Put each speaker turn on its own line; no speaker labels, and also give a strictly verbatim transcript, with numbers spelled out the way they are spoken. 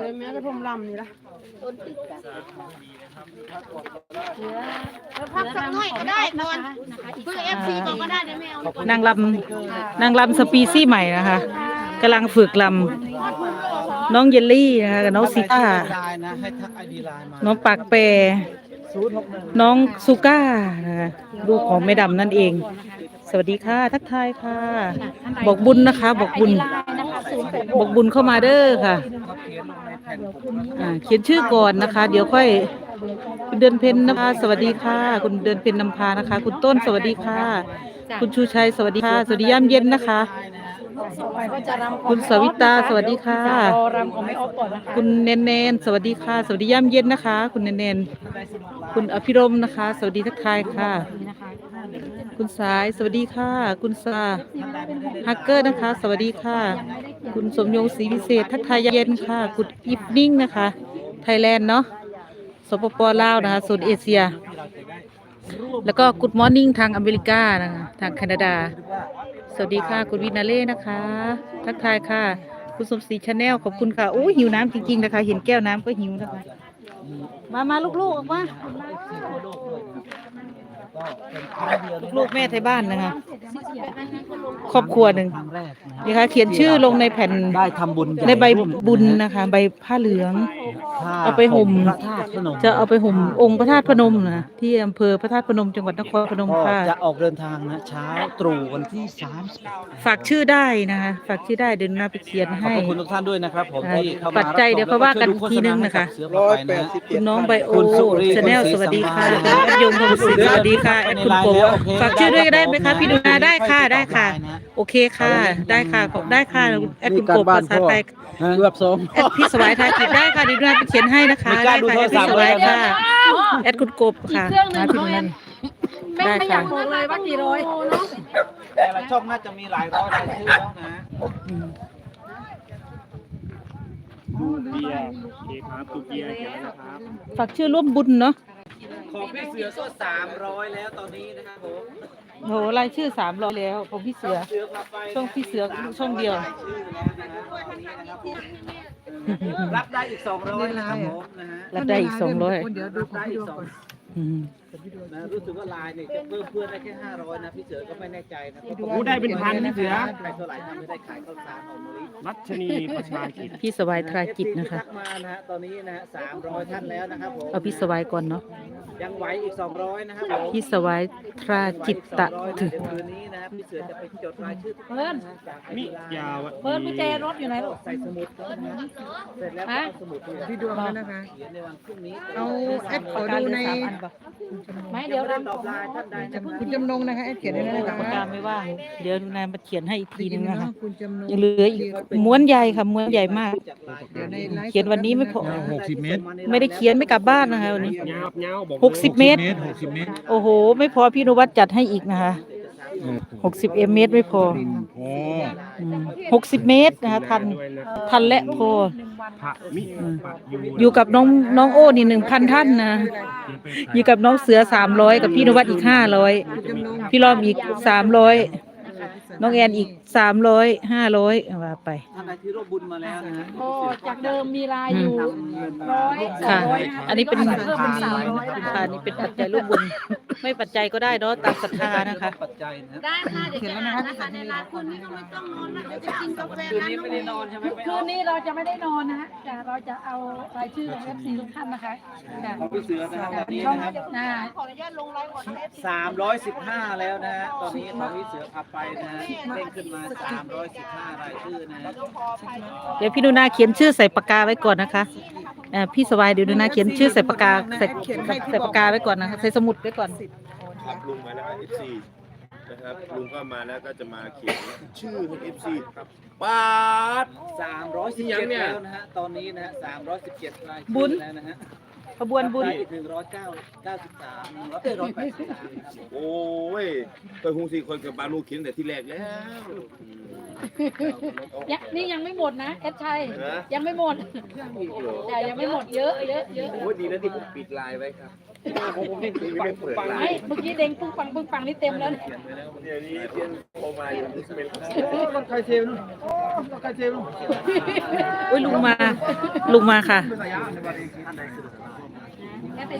แม้แต่ผมลำนี่ละพักสักหน่อยก็ได้นอนเพื่อเอฟซีบอกก็ได้เดี๋ยวไม่เอา
นางลำนางลำสปีซี่ใหม่นะคะกำลังฝึกลำน้องเยลลี่นะคะกับน้องซิต้าน้องปากแปรน้องซูก้านะคะลูกของแม่ดำนั่นเองสวัสดีค่ะทักทายค่ะบอกบุญนะคะบอกบุญบอกบุญเข้ามาเด้อค่ะอ่าเขียนชื่อก่อนนะคะเดี๋ยวค่อยคุณเดือนเพ็ญนะคะสวัสดีค่ะคุณเดือนเพ็ญนำพานะคะคุณต้นสวัสดีค่ะคุณชูชัยสวัสดีค่ะสวัสดียามเย็นนะคะคุณสวิตาสวัสดีค่ะคุณเนนเนนสวัสดีค่ะสวัสดียามเย็นนะคะคุณเนนเนนคุณอภิรมนะคะสวัสดีทักทายค่ะคุณสายสวัสดีค่ะคุณซาฮักเกอร์นะคะสวัสดีค่ะคุณสมยงศรีวิเศษทักทายเย็นค่ะคุณอีฟนิ่งนะคะไทยแลนด์เนาะสปปลาวนะคะโซนเอเชียแล้วก็กูดมอร์นิ่งทางอเมริกานะคะทางแคนาดาสวัสดีค่ะคุณวินาเล่นะคะทักทายค่ะคุณสมศรีชาแนลขอบคุณค่ะโอ้หิวน้ำจริงๆนะคะเห็นแก้วน้ำก็หิวนะคะมามาลูกๆออกมาลูกแม่ไทยบ้านนะคะครอบครัวหนึ่งนะคะเขียนชื่อลงในแผ่น
ได้ทำบุญ
ในใบบุญนะคะใบผ้าเหลืองเอาไปห่มจะเอาไปห่มองค์พระธาตุพนมนะที่อำเภอพระธาตุพนมจังหวัดนครพนมค่ะ
จะออกเดินทางนะเช้าตรู่วันที่สามสิบ
ฝากชื่อได้นะคะฝากชื่อได้เดินหน้าไปเขียนให้
ขอบคุณทุกท่านด้วยนะครับผมที่เข้ามา
ปัจจัยเดี๋ยวเขาว่ากันอีกทีนึงนะคะคุณน้องไบโอชาแนลสวัสดีค่ะคุณยงทองศรีสวัสดีค่ะแอดคุณโกฝากชื่อด้วยได้ไหมคะพี่ดูนาได้ค่ะได้ค่ะโอเคค่ะได้ค่ะได้ค่ะแอดคุณโกภาษาไทย
เกือบสอง
แอดพี่สวายไทยกิจได้ค่ะดีด้วยไปเขียนให้นะคะได้ค่ะแอดพี่สวายค่ะแอดคุณโกบค่ะมาพี่นั่นได้ค่ะ
เลยว่ากี่ร้อย
แต่ละช่องน่าจะมีหลายร้อยรายชื่อแล้วนะ
เบียร์โอเคครับตุกเบียร์เขียนนะครับ
ฝากชื่อร่วมบุญเนาะ
ของพี่เสือก็สามร้อยแล้วตอนนี้นะครับผม
โหรายชื่อสามร้อยแล้วของพี่เสือช่องพี่เสือช่องเดียว
รับได้อีกสองร้อยนะครับผมนะฮะ
รับได้อีกสองร้อย
รับได้อีกสองนะรู้สึกว่าลายเนี่ยจะเพิ่มเพื่อนได้แค่ห้าร้อยนะพี่เสือก็ไม่แน่ใจนะ
ผู้ได้เป็นพันพี่เสือ
ใครเท่าไหร่ทำไม่ได้ขายข้าวสารหอมมะลิ
รัชนีประชากิจ
พี่สวายทรากิจนะคะ
มานะฮะตอนนี้นะฮะสามร้อยท่านแล้วนะครับผม
เอาพี่สวายก่อนเนาะ
ยังไหวอีกสองร้อยนะครับ
พี่สวายทราจิตตะถึง
คืนนี้นะครับพี่เสือจะไปจดรายชื่อ
เพิ่น
มิยาว
เพิ่นกุญแจรถอยู่ไหนลูก
ใส่สมุดเสร็จแล้วเอาสมุด
พี่ดวงแล้วนะคะ
เขียนในวันพรุ่งนี้
เอาแอดขอดูในไม่เดี๋ยวรำ
ตอบลายท่านใดนะ
คุณจำนงนะคะแอดเขียนได้เลยนะคะ
ปากกาไม่ว่างเดี๋ยวนายมาเขียนให้อีกทีนึงนะคะยังเหลืออีกม้วนใหญ่ค่ะม้วนใหญ่มากเขียนวันนี้ไม่พอ
หกสิบเมตร
ไม่ได้เขียนไม่กลับบ้านนะคะวันนี้หกสิบเมตรโอ้โหไม่พอพี่นุวัฒน์จัดให้อีกนะคะหกสิบเมตรไม่พอหกสิบเมตรนะคะทันทันและพออยู่กับน้องน้องโอ้นี่หนึ่งพันท่านนะอยู่กับน้องเสือสามร้อยกับพี่นุวัฒน์อีกห้าร้อยพี่ล้อมอีกสามร้อยน้องแอนอีกสามร้อยห้าร้อยว่าไป
ท่านใดที่ร่วมบุญมาแล้วนะ
โอ้จากเดิมมีลายอยู่ร้อย
ค่ะอันนี้เป็นเพิ่มเป็นสามร้อยค่ะนี่เป็นปัจจัยร่วมบุญไม่ปัจจัยก็ได้เนาะตามศรัทธานะคะ
ได้ค่ะเดี๋ยวจะอ่านนะคะในร้านคืนนี้ก็ไม่ต้องนอนนะเดี๋ยวจะกินกาแฟ
คืนนี้ไม่ได้นอนใช่ไหม
คืนนี้เราจะไม่ได้นอนนะฮะแต่เราจะเอารายชื่อของ เอฟ ซี ทุกท่านนะคะ
ของพี่เสือนะครับนี่นะครับ
ขออนุญาตลงไลน์ก่อนนะ
สามร้อยสิบห้าแล้วนะฮะตอนนี้ของพี่เสือขับไปนะฮะเด้งขึ้นมาสามร้อยสิบห้ารายชื่อนะฮะ
เดี๋ยวพี่ดูนาเขียนชื่อใส่ปากกาไว้ก่อนนะคะพี่สวายเดี๋ยวดูนาเขียนชื่อใส่ปากกาใส่ใส่ปากกาไว้ก่อนนะคะใส่สมุดไว้ก่อน
ครับลุงมาแล้ว เอฟ ซี นะครับลุงก็มาแล้วก็จะมาเขียนชื่อให้ เอฟ ซี ปาด
สามร้อยสิบเจ็ดแล้วนะฮะตอนนี้นะฮะสามร้อยสิบเจ็ดรายชื่อแล้วนะฮะ
ขบวนบุญ
หนึ่งร้อยเก้าเก้าสิบสามร้อยร้อยแปดสิบสามครับผม
โอ้ยเคยคงสี่คนกับบาลูเขียนแต่ที่แรกแล้ว
ยังนี่ยังไม่หมดนะเอสชัย
นะ
ยังไม่หมดแต่ยังไม่หมมดเยอะเยอะเยอะ
โอ้ยดีนะที่ผมปิดไลน์ไว้ครับผมผมนี่ไม่เปิดไล
ไม่
น์
เมื่อกี้เด้งปึ้งปังปึ้งปังนี่เต็มแล้วเนี่ย
เดี๋ยวนี้เทียนโทรมาอยู่เป็น
รถใครเซลล์โอ้รถใครเซลล์
อุ้ยลุงมา ลุงมาค่ะ
เป็นระยะในวันนี้